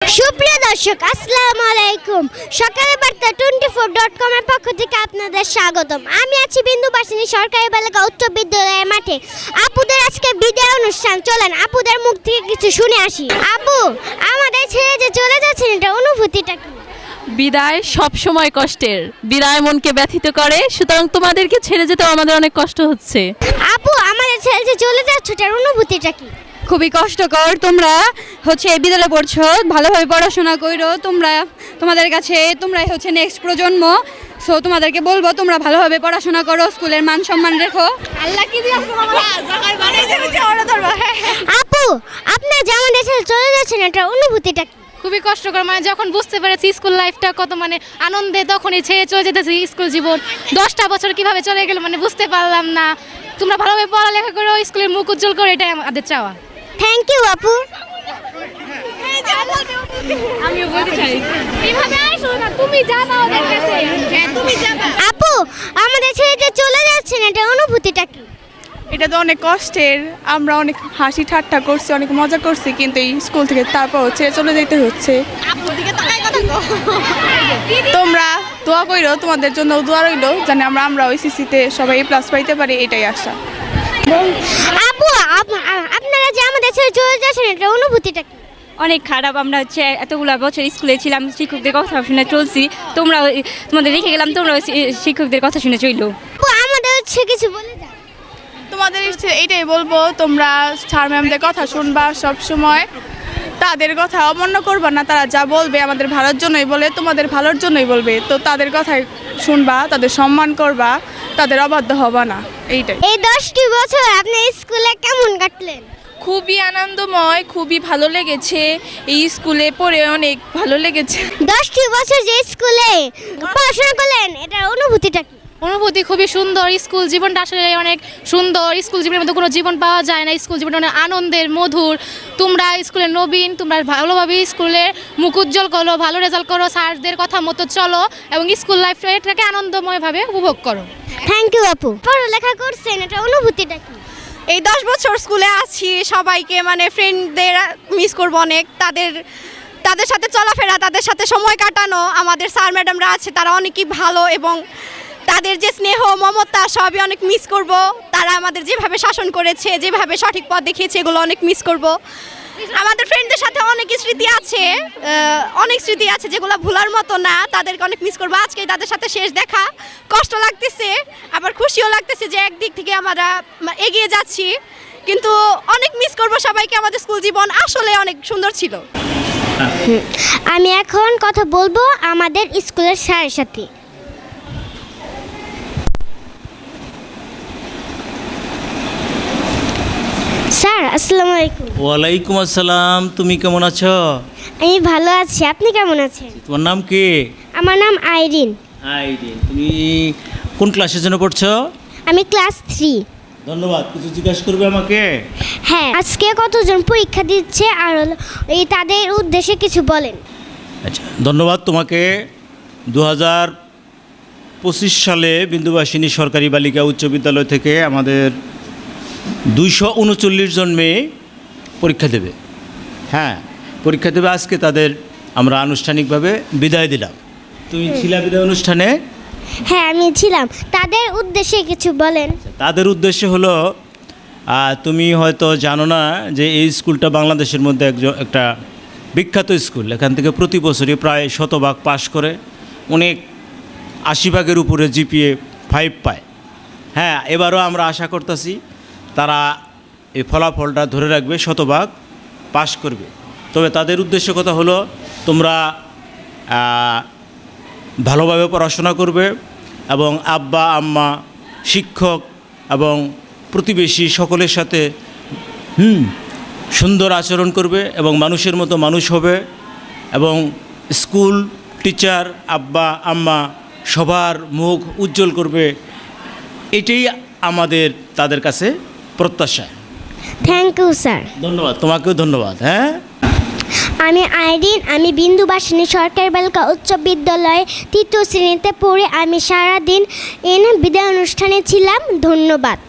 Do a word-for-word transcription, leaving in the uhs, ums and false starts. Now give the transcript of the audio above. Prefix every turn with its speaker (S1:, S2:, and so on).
S1: সুপ্রিয় দর্শক আসসালামু আলাইকুম। সকালের বার্তা টোয়েন্টি ফোর ডট কম এর পক্ষ থেকে আপনাদের স্বাগতম। আমি আছি বিন্দুবাসিনী সরকারি বালিকা উচ্চ বিদ্যালয়ের মাঠে। আপুদের আজকে বিদায় অনুষ্ঠান, চলেন আপুদের মুখ থেকে কিছু শুনে আসি। আপু, আমাদের ছেড়ে যে চলে যাচ্ছেন, এটা অনুভূতিটা কি?
S2: বিদায় সব সময় কষ্টের, বিদায় মনকে ব্যথিত করে, সুতরাং তোমাদেরকে ছেড়ে যেতে আমাদের অনেক কষ্ট হচ্ছে।
S1: আপু, আমাদের ছেড়ে যে চলে যাচ্ছে, এটার অনুভূতিটা কি?
S3: খুবই কষ্টকর। তোমরা হচ্ছে এই বিদ্যালয়ে পড়ছো, ভালোভাবে পড়াশোনা করো। তোমরা তোমাদের কাছে তোমরাই হচ্ছে নেক্সট প্রজন্ম। সো তোমাদেরকে বলবো তোমরা ভালোভাবে পড়াশোনা করো, স্কুলের মান সম্মান রেখো। আল্লাহ কি
S1: আপু, আপনার যে আমাদের ছেড়ে চলে যাচ্ছেন, এটার অনুভূতিটা কি?
S4: খুবই কষ্টকর, মানে যখন বুঝতে পেরেছি স্কুল লাইফটা কত মানে আনন্দে, তখনই ছেড়ে চলে যেতেছি স্কুল জীবন। দশটা বছর কিভাবে চলে গেল মানে বুঝতে পারলাম না। তোমরা ভালোভাবে পড়ালেখা করো, স্কুলের মুখ উজ্জ্বল করো, এটাই আমাদের চাওয়া।
S1: থ্যাংক ইউ আপু।
S4: আমিও বলতে চাই এইভাবে আসো না, তুমি যাবা ওদের কাছে, তুমি যাবা।
S1: আপু, আমাদের ছেড়ে যে চলে যাচ্ছেন, এটার অনুভূতিটা কি?
S5: এটা তো অনেক কষ্টের। আমরা অনেক হাসি ঠাট্টা করছি, অনেক মজা করছি, কিন্তু এই স্কুল থেকে তারপর ছেড়ে চলে যেতে হচ্ছে। তোমরা দোয়া কইরো, তোমাদের জন্য দোয়া রইলো, জানি আমরা আমরা ওই সিসিতে সবাই এ প্লাস পাইতে পারি, এটাই আশা।
S1: আপু, আপ- আ- আপনারা যে আমাদের ছেড়ে চলে যাচ্ছেন, এটার অনুভূতিটা কি?
S3: অনেক খারাপ। আমরা হচ্ছে এতগুলো বছর স্কুলে ছিলাম, শিক্ষকদের কথা শুনে চলছি। তোমরা তোমাদের রেখে গেলাম, তোমরা শিক্ষকদের কথা শুনে চললো।
S1: আপু, আমাদের হচ্ছে কিছু বলে যান।
S5: তোমাদের ইচ্ছে এইটাই বলবো, তোমরা স্যার ম্যামদের কথা শুনবা সব সময়, তাদের কথা অমান্য করবা না। তারা যা বলবে আমাদের ভালোর জন্যই বলে, তোমাদের ভালোর জন্যই বলবে, তো তাদের কথাই শুনবা, তাদের সম্মান করবা, তাদের অবাধ্য হবা না, এইটাই।
S1: এই দশটি বছর আপনি স্কুলে কেমন কাটলেন?
S6: খুবই আনন্দময়, খুবই ভালো লেগেছে। এই স্কুলে পড়ে অনেক ভালো লেগেছে।
S1: দশটি বছর যে স্কুলে পড়াশোনা করলেন, এটার অনুভূতিটা কি?
S4: অনুভূতি খুবই সুন্দর। স্কুল জীবনটা আসলে অনেক সুন্দর। স্কুল জীবনের মধ্যে কোনো জীবন পাওয়া যায় না। স্কুল জীবনটা অনেক আনন্দের, মধুর। তোমরা স্কুলের নবীন, তোমরা ভালোভাবে স্কুলের মুখ উজ্জ্বল করো, ভালো রেজাল্ট করো, স্যারদের কথা মতো চলো এবং স্কুল লাইফটাকে আনন্দময়ভাবে উপভোগ করো।
S1: থ্যাংক ইউ আপু। পড়ালেখা করছেন, এটার অনুভূতিটা কি?
S7: এই দশ বছর স্কুলে আছি, সবাইকে মানে ফ্রেন্ডদের মিস করবো অনেক। তাদের তাদের সাথে চলাফেরা, তাদের সাথে সময় কাটানো, আমাদের স্যার ম্যাডামরা আছে তারা অনেকই ভালো, এবং তাদের যে স্নেহ মমতা সবই অনেক মিস করব। তারা আমাদের যেভাবে শাসন করেছে, যেভাবে সঠিক পথ দেখিয়েছে, এগুলো অনেক মিস করব। আমাদের ফ্রেন্ডদের সাথে অনেক স্মৃতি আছে, আহ, অনেক স্মৃতি আছে যেগুলো ভোলার মতো না। তাদেরকে অনেক মিস করবো। আজকে তাদের সাথে শেষ দেখা, কষ্ট লাগতেছে, আবার খুশিও লাগতেছে যে একদিক থেকে আমরা এগিয়ে যাচ্ছি, কিন্তু অনেক মিস করব সবাইকে। আমাদের স্কুল জীবন আসলে অনেক সুন্দর ছিল।
S1: আমি এখন কথা বলবো আমাদের স্কুলের স্যারের সাথে। স্যার আসসালামু আলাইকুম।
S8: ওয়ালাইকুম আসসালাম। তুমি কেমন আছো?
S1: আমি ভালো আছি, আপনি কেমন আছেন?
S8: তোমার নাম কি?
S1: আমার নাম আইরিন।
S8: আইডিন। তুমি কোন ক্লাসের জন্য পড়ছো?
S1: আমি ক্লাস থ্রি।
S8: ধন্যবাদ। কিছু জিজ্ঞাসা করবে আমাকে?
S1: হ্যাঁ, আজকে কতজন পরীক্ষা দিচ্ছে আর হলো এই তাদের উদ্দেশ্যে কিছু বলেন।
S8: আচ্ছা, ধন্যবাদ তোমাকে। দু হাজার পঁচিশ সালে বিন্দুবাসিনী সরকারি বালিকা উচ্চ বিদ্যালয় থেকে আমাদের দুইশো উনচল্লিশ জন মেয়ে পরীক্ষা দেবে। হ্যাঁ, পরীক্ষা দেবে। আজকে তাদের আমরা আনুষ্ঠানিকভাবে বিদায় দিলাম। তুমি ছিলা বিদায় অনুষ্ঠানে?
S1: হ্যাঁ, আমি ছিলাম। তাদের উদ্দেশ্যে কিছু বলেন।
S8: তাদের উদ্দেশ্য হলো, আহ, তুমি হয়তো জানো না যে এই স্কুলটা বাংলাদেশের মধ্যে একজন একটা বিখ্যাত স্কুল। এখান থেকে প্রতি বছরই প্রায় শতভাগ পাশ করে, অনেক আশি ভাগের উপরে জিপিএ ফাইভ পায়। হ্যাঁ, এবারও আমরা আশা করতেছি তারা এই ফলাফলটা ধরে রাখবে, শতভাগ পাশ করবে। তবে তাদের উদ্দেশ্য কথা হলো, তোমরা ভালোভাবে পড়াশোনা করবে এবং আব্বা আম্মা, শিক্ষক এবং প্রতিবেশী সকলের সাথে হুম সুন্দর আচরণ করবে এবং মানুষের মতো মানুষ হবে, এবং স্কুল, টিচার, আব্বা আম্মা সবার মুখ উজ্জ্বল করবে। এটাই আমাদের তাদের কাছে প্রত্যাশা।
S1: Thank you sir.
S8: ধন্যবাদ। তোমাকেও ধন্যবাদ। হ্যাঁ,
S1: আমি আইরিন। আমি বিন্দুবাসিনী সরকারি বালিকা উচ্চ বিদ্যালয়ে তৃতীয় শ্রেণীতে পড়ে আমি সারাদিন এন বিদায় অনুষ্ঠানে ছিলাম। ধন্যবাদ।